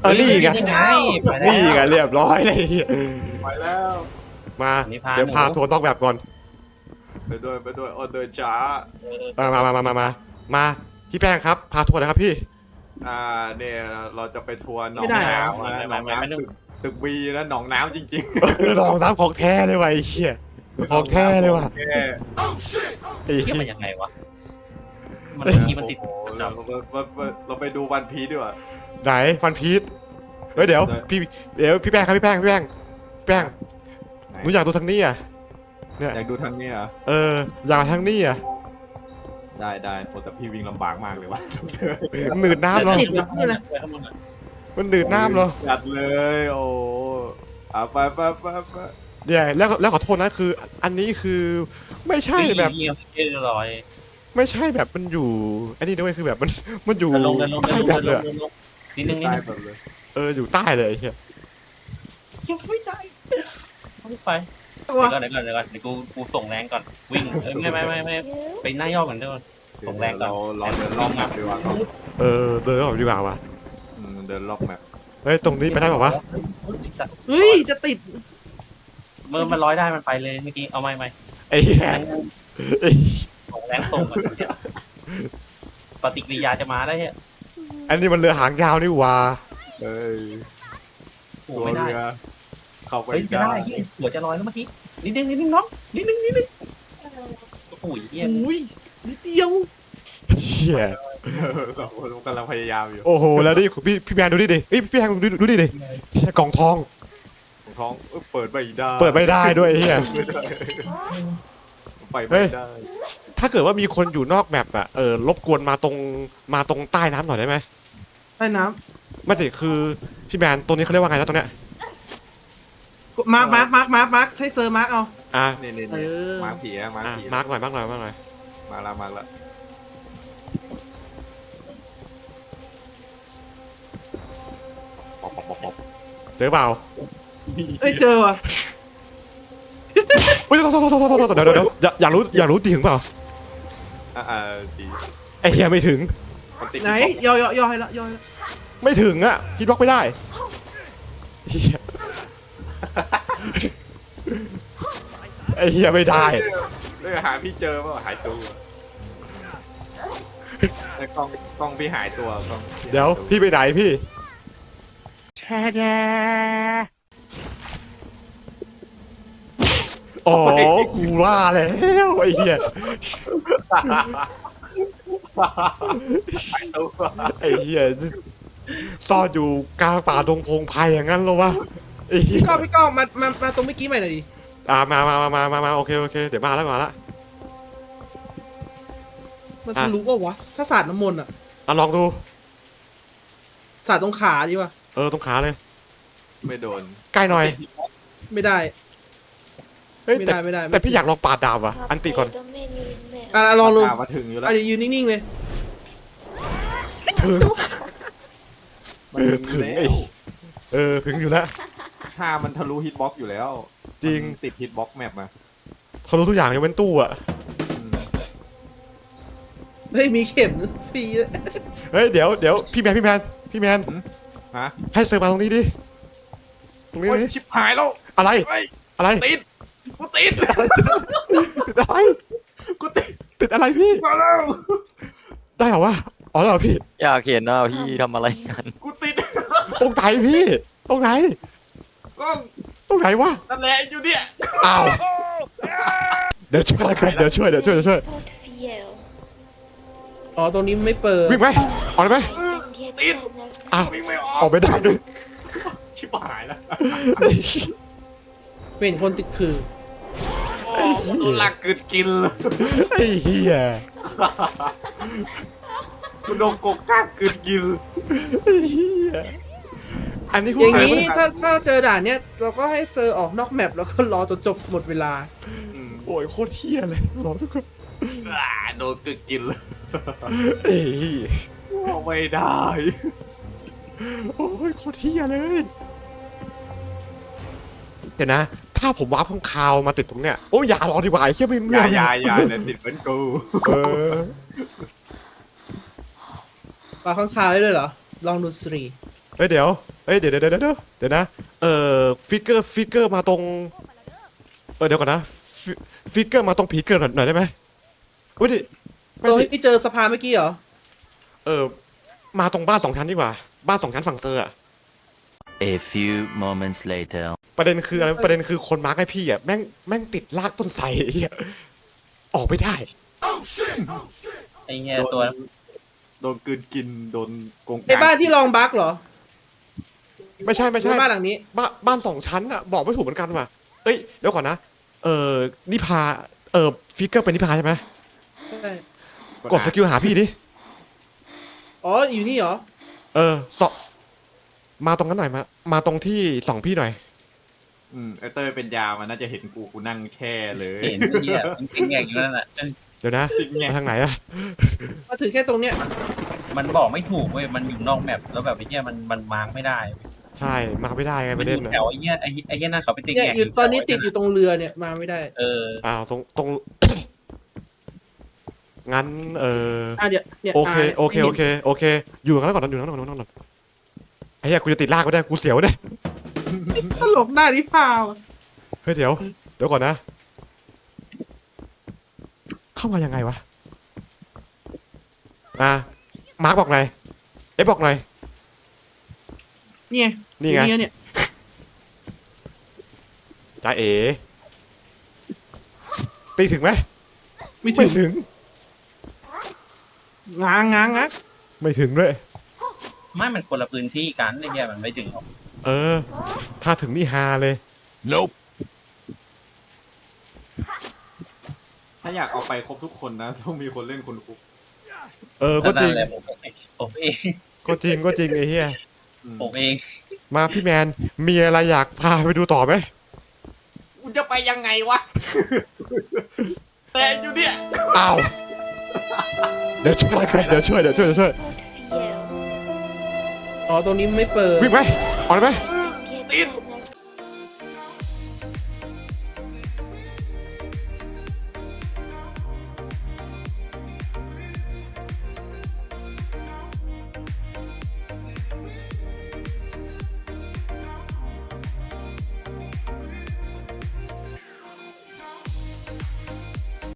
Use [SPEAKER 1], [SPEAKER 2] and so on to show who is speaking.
[SPEAKER 1] นี่ไง
[SPEAKER 2] นี่ไงไปแล้ว
[SPEAKER 1] นี่ไงเรียบร้อยเลย
[SPEAKER 3] ไปแล้ว
[SPEAKER 1] มา
[SPEAKER 2] นี่พา
[SPEAKER 1] เดี๋ยวพา
[SPEAKER 2] หนู
[SPEAKER 1] ทัวร์ต้องแบบก่อน
[SPEAKER 3] ไปด้วยโอ้เดินช้า
[SPEAKER 1] มาพี่แป้งครับพาทัวร์นะครับพี่
[SPEAKER 3] เนี่ยเราจะไปทัวร์หนอ
[SPEAKER 4] ไม่
[SPEAKER 3] ง
[SPEAKER 4] ได้เหรอ
[SPEAKER 3] น้ำนะหนองน้ำตึกบีนะหนองน้ำจริง
[SPEAKER 1] ลองน้ำของแท้เลยว่ะไอ้เหี้ย
[SPEAKER 3] ๆ
[SPEAKER 1] ของแท้เลยว่ะ
[SPEAKER 3] แท้
[SPEAKER 1] ไอ้
[SPEAKER 2] เทียบ
[SPEAKER 1] เหี้
[SPEAKER 2] มัน
[SPEAKER 1] ย
[SPEAKER 2] ยังไงวะมันเมื่อกี้มันติด
[SPEAKER 3] โอ้โหเราไปดูวันพีชดีกว่า
[SPEAKER 1] ไหนฟันพีชเฮ้ยเดี๋ยวพี่แป้งครับพี่แป้งหนูอยากดูทางนี้อ่ะเนี่ย
[SPEAKER 3] อยากดูทางนี้เหรอ
[SPEAKER 1] อยากมาทางนี้อ่ะ
[SPEAKER 3] ได้โอ้แต่พี่วิ่งลำบากมากเลยวะ
[SPEAKER 1] มันหนืดน้ำเหรอ
[SPEAKER 4] ติดเหรอเนี่ยนะ
[SPEAKER 1] มันหนืดน้ำเหรอ
[SPEAKER 3] จัดเลยโอ้ไป
[SPEAKER 1] เนี่ยแล้วขอโทษนะคือ อันนี้คือไม่ใช่แบบ
[SPEAKER 2] เรียบร้อย
[SPEAKER 1] ไม่ใช่แบบมันอยู่อันนี้ด้วยคือแบบมันอยู่
[SPEAKER 2] เดินลง
[SPEAKER 1] ใต้แบบเลยอะ
[SPEAKER 2] นิดนึง
[SPEAKER 3] ใต้แบบเลย
[SPEAKER 1] อยู่ใต้เลยไอ้เหี้ย
[SPEAKER 2] ยังไม่ได้ไป
[SPEAKER 4] ตัว
[SPEAKER 2] เดี๋ยวก่อนเดี๋ยวกูส่งแรงก่อนวิ่งไม่ไปหน้าย่อก่อนเดี๋ยวส่งแรงก่อน
[SPEAKER 3] เราเดินรอบแมปดีกว่าครับ
[SPEAKER 1] เดินออกดีกว่าว่ะ
[SPEAKER 3] เดินรอบแมป
[SPEAKER 1] เฮ้ยตรงนี้ไปได้ป่าวะ
[SPEAKER 4] เฮ้ยจะติด
[SPEAKER 2] เมื่อมันร้อยได้มันไปเลยเมื่อกี้เอาไม่
[SPEAKER 1] ไอ้เหี้ยไอ้
[SPEAKER 2] ส่งแรงส่งปฏิกิริยาจะมาได้เนี่ย
[SPEAKER 1] อันนี้มันเรือหางยาวนี่หว่า
[SPEAKER 3] เอ้ย
[SPEAKER 2] โอ้
[SPEAKER 3] ตัว
[SPEAKER 2] ไม่ได้
[SPEAKER 3] เรือเข้าไป
[SPEAKER 2] เฮ้ยไม่
[SPEAKER 3] ได้
[SPEAKER 2] ได้หัวจะลอยแล้วเมื่อกี้นิดนึงน้องนิดนึงโอ้ยเฮีย
[SPEAKER 4] อุ้ยนิดเดียว
[SPEAKER 1] เหี้ย
[SPEAKER 3] สองคนกำลังพยายามอยู่
[SPEAKER 1] โอ้โหแล้วนี่พี่แมนดูดิพี่แมนดูดิพี่กล่องทอง
[SPEAKER 3] ของท้องเปิดไม่ได้
[SPEAKER 1] เปิดไม่ได้ด้วยไอ้เหี้ย
[SPEAKER 3] ไปไม่ได้
[SPEAKER 1] ถ้าเกิดว่ามีคนอยู่นอกแมปอะรบกวนมาตรงใต้น้ำหน่อยได้ไหม
[SPEAKER 4] ใต้น้
[SPEAKER 1] ไม่สิคือพี่แมนตรงนี้เขาเรียกว่าไงนะตรงเนี้ย
[SPEAKER 4] ำมาร์คให้เซอร์มาร์คเอา
[SPEAKER 1] อ่ะ
[SPEAKER 3] นี่
[SPEAKER 4] เออ
[SPEAKER 3] มาผีนะมาผี
[SPEAKER 1] มาร์กหน่อย
[SPEAKER 3] มาละ
[SPEAKER 1] เจอเปล่า
[SPEAKER 4] เอ้ยเจอว่ะ
[SPEAKER 1] เฮ้ยเดี๋ยวอยากรู้จริงเปล่า
[SPEAKER 3] ดี
[SPEAKER 1] ไอ้เหี้ยไม่ถึง
[SPEAKER 3] มันติด
[SPEAKER 4] ไหนย่อให้ละย่อให้ละ
[SPEAKER 1] ไม่ถึงอะฮิตบล็อกไม่ได้เหี้ยไอ้เหี้ยไม่ได้
[SPEAKER 3] หาพี่เจอเปล่าหายตัวไอ้กล้องพี่หายตัวกล้อง
[SPEAKER 1] เดี๋ยวพี่ไปไหนพี่อ๋อกูว่าแล้วไอ้เหี้ย
[SPEAKER 3] หายตัว
[SPEAKER 1] ไอ้เหี้ยซ่อนอยู่กลางป่าดงพงไพ่อย่างนั้นเหรอวะไอ้เหี้ย
[SPEAKER 4] พี่ก้องมาตรงเมื่อกี้ใหม่หน่อยดิ
[SPEAKER 1] มาโอเคเดี๋ยวมาแล้ว
[SPEAKER 4] มันทะลุว่าวะถ้าสาดน้ำมนต์อะ
[SPEAKER 1] ลองดู
[SPEAKER 4] สาดตรงขาดีวะ
[SPEAKER 1] ตรงขาเลย
[SPEAKER 3] ไม่โดน
[SPEAKER 1] ใกล้หน่อย
[SPEAKER 4] ไม่ได้
[SPEAKER 1] เฮ้ย
[SPEAKER 4] ไม่
[SPEAKER 1] แต่
[SPEAKER 4] ได้ไม่ได้
[SPEAKER 1] แต่พี่อยากลองปาดดาบว่ะอันติก่อน
[SPEAKER 4] ลองลง
[SPEAKER 3] มาถึงอยู่แล้ว
[SPEAKER 4] ยืนนิ่งๆเลย
[SPEAKER 1] ถึง
[SPEAKER 3] มันถึง
[SPEAKER 1] ถึง
[SPEAKER 3] แล้
[SPEAKER 1] ไอ้
[SPEAKER 3] ว
[SPEAKER 1] ถึงอยู่แล้ว
[SPEAKER 3] ถ้ามันทะลุฮิตบ็อกอยู่แล้ว
[SPEAKER 1] จริง
[SPEAKER 3] มันติดฮิตบ็อกแมปมา
[SPEAKER 1] เขารู้ทุกอย่างยกเว้นตู้อ่ะ
[SPEAKER 4] เฮ้ยมีเข็มฟรีเลย
[SPEAKER 1] เฮ้ยเดี๋ยวพี่แมน
[SPEAKER 3] ฮะ
[SPEAKER 1] ให้เซิร์ฟมาตรงนี้ดิตรงนี้
[SPEAKER 3] โอ้ย
[SPEAKER 1] ดิ
[SPEAKER 3] ชิบหายแล้ว
[SPEAKER 1] อะไร
[SPEAKER 3] เฮ้ย
[SPEAKER 1] อะไร
[SPEAKER 3] ติดกูติด
[SPEAKER 1] ติดอะไร
[SPEAKER 3] กูติด
[SPEAKER 1] ติดอะไรพี่
[SPEAKER 3] มาแล้ว
[SPEAKER 1] ได้เหรอวะอ๋อเหรอพี่
[SPEAKER 5] อยากเห็นนะพี่ทำอะไรกัน
[SPEAKER 3] กูติด
[SPEAKER 1] ตรงไหนพี่ตรงไหน
[SPEAKER 3] กล้อง
[SPEAKER 1] ตรงไหนวะ
[SPEAKER 3] นั่นแหละอยู่เนี่ย
[SPEAKER 1] อ้าวเดี๋ยวช่วยกันเดี๋ยวช่วย
[SPEAKER 4] อ๋อตรงนี้ไม่เปิด
[SPEAKER 1] วิ่งไหมออกเลยไหม
[SPEAKER 3] ติด
[SPEAKER 1] อ้าว
[SPEAKER 3] วิ่งไม่อ
[SPEAKER 1] อ
[SPEAKER 3] อ
[SPEAKER 1] อก กไม่ได้ด้วย
[SPEAKER 3] ชิบหายแล้ว
[SPEAKER 4] เป็นคนติดคือ
[SPEAKER 3] โอ้โหโดนหลักกึดกินเลย
[SPEAKER 1] ไอ้เหี้ย
[SPEAKER 3] กูโดนกบก้างกึดกิน
[SPEAKER 1] ไอ้เหี้ยอันนี้คุณ
[SPEAKER 4] อย่าง
[SPEAKER 1] ใส่
[SPEAKER 4] นี้
[SPEAKER 1] ไหม
[SPEAKER 4] ถ้าเจอด่านเนี้ยเราก็ให้เซอร์ออกนอกแมปแล้วก็รอจนจบหมดเวลา
[SPEAKER 1] โอ้ยโคตรเหี้ยเลยรอทุกคน
[SPEAKER 3] โดนกึดกินเลย
[SPEAKER 1] ไอ้เหี้ย
[SPEAKER 3] ไม่ได้
[SPEAKER 1] โอ้ยโคตรเหี้ยเลยเดี๋ยวนะ ถ้าผมวาร์ปข้างคาวมาติดตรงเนี้ยโอ้ยอย่ารอดีกว่าไอ้เหี้ยไม่
[SPEAKER 3] อย่าเดี๋ยวติดเป็นกู
[SPEAKER 1] เออ
[SPEAKER 4] ปลาข้างคาวได้เลยเหรอ ลองดูสิ
[SPEAKER 1] เฮ้ยเดี๋ยวเอ้ยเดี๋ยวนะฟิกเกอร์มาตรงเดี๋ยวก่อนนะฟิกเกอร์มาตรงผีเกิดหน่อยได้ไหมอุ้ยดิ
[SPEAKER 4] ต
[SPEAKER 1] ไม่
[SPEAKER 4] รง
[SPEAKER 1] สิ
[SPEAKER 4] ที่เจอสะพานเมื่อกี้เหรอ
[SPEAKER 1] มาตรงบ้าน2 ชั้นดีกว่าบ้าน2 ชั้นฝั่งเซอร์อะ
[SPEAKER 5] A few moments later
[SPEAKER 1] ประเด็นคืออะไรประเด็นคือคนมาร์กให้พี่อะแม่งติดลากต้นไทรไอ้เหี้ยออกไม่ได้
[SPEAKER 2] ไอ้เงี้ยตัว
[SPEAKER 3] โดนกลืนกินโดนโกง
[SPEAKER 4] ในบ้านที่ลองบั๊กเหรอ
[SPEAKER 1] ไม่ใช่
[SPEAKER 4] หรือบ้านหลังนี้
[SPEAKER 1] บ้าน2 ชั้นอะบอกไม่ถูกเหมือนกันว่ะเอ้ยเดี๋ยวก่อนนะนิพาฟิกเกอร์เป็นนิพาใช่ไหม
[SPEAKER 4] ใช่
[SPEAKER 1] กดสกิลหาพี่ดิ
[SPEAKER 4] อ๋อ อยู่นี่เหรอ
[SPEAKER 1] สอบมาตรงนั้นหน่อยมาตรงที่ส่องพี่หน่อย
[SPEAKER 3] ไอเต้ยเป็นยามันน่าจะเห็นกูนั่งแช่เลย
[SPEAKER 2] เห็นไอ้เงี้ยมันเป็นแง่อยู่นั่นแหละ
[SPEAKER 1] เดี๋ยวนะ
[SPEAKER 3] จริงไง
[SPEAKER 1] มาทางไหนอะ
[SPEAKER 4] มาถึงแค่ตรงเนี้ย
[SPEAKER 2] มันบอกไม่ถูกเว้ยมันอยู่นอกแมปแล้วแบบไอ้เงี้ยมันมาร์กไม่ได้
[SPEAKER 1] ใช่มาไม่ได้ไง
[SPEAKER 2] มั
[SPEAKER 1] ป
[SPEAKER 2] น
[SPEAKER 1] ระ
[SPEAKER 2] อ
[SPEAKER 1] เด็น
[SPEAKER 2] ยู่
[SPEAKER 1] อะ
[SPEAKER 2] แถวไอ้เงี้ยไอ้เงี้ยนั่นเขาไปติด
[SPEAKER 4] เนี่ย
[SPEAKER 2] แง่
[SPEAKER 4] อยู่ตอนนี้ติดอยู่ตรงเรือเนี่ย มาไม่ได้
[SPEAKER 1] อ้าวตรงงั้น
[SPEAKER 4] เดี๋ยวเนี่ย
[SPEAKER 1] โอเคอยู่กันแล้วก่อนอยู่กันแล้วก่อนไอ้เหี้ยกูจะติดลากก็ได้กูเสียวได้
[SPEAKER 4] ตลกหน้านิพาวอะ
[SPEAKER 1] เฮ้ยเดี๋ยวก่อนนะ เข้ามายังไงวะมาร์คบอกหน่อยบอกหน่อย
[SPEAKER 4] เนี่ย
[SPEAKER 1] นี่ไง
[SPEAKER 4] อยู่เนี่ย
[SPEAKER 1] จ้าเอ๋ตีถึงไหม
[SPEAKER 4] ไม่
[SPEAKER 1] ไม่
[SPEAKER 4] ถึง
[SPEAKER 1] ถึง
[SPEAKER 4] ง้าง
[SPEAKER 1] ไม่ถึงด้วย
[SPEAKER 2] ไม่มันคนละพื้นที่กันไอ้เงี้ยมันไม่ถึงหรอก
[SPEAKER 1] ถ้าถึงนี่ฮาเลย nope
[SPEAKER 3] ถ้าอยากเอาไปครบทุกคนนะต้องมีคนเล่นคนคุก
[SPEAKER 1] ก็จริง
[SPEAKER 2] นั่นแหละผมเอง
[SPEAKER 1] ก็จริงไอ้เหี้ย
[SPEAKER 2] ผมเอง
[SPEAKER 1] มาพี่แมนมีอะไรอยากพาไปดูต่อไหม
[SPEAKER 3] กูจะไปยังไงวะ แต่อยู่เนี่ย
[SPEAKER 1] อ้าวเดี๋ยวช่วย
[SPEAKER 4] อ๋อ ตรงนี้ไม่เปิด
[SPEAKER 1] วิ่งไปออกเลยไหม
[SPEAKER 3] ติด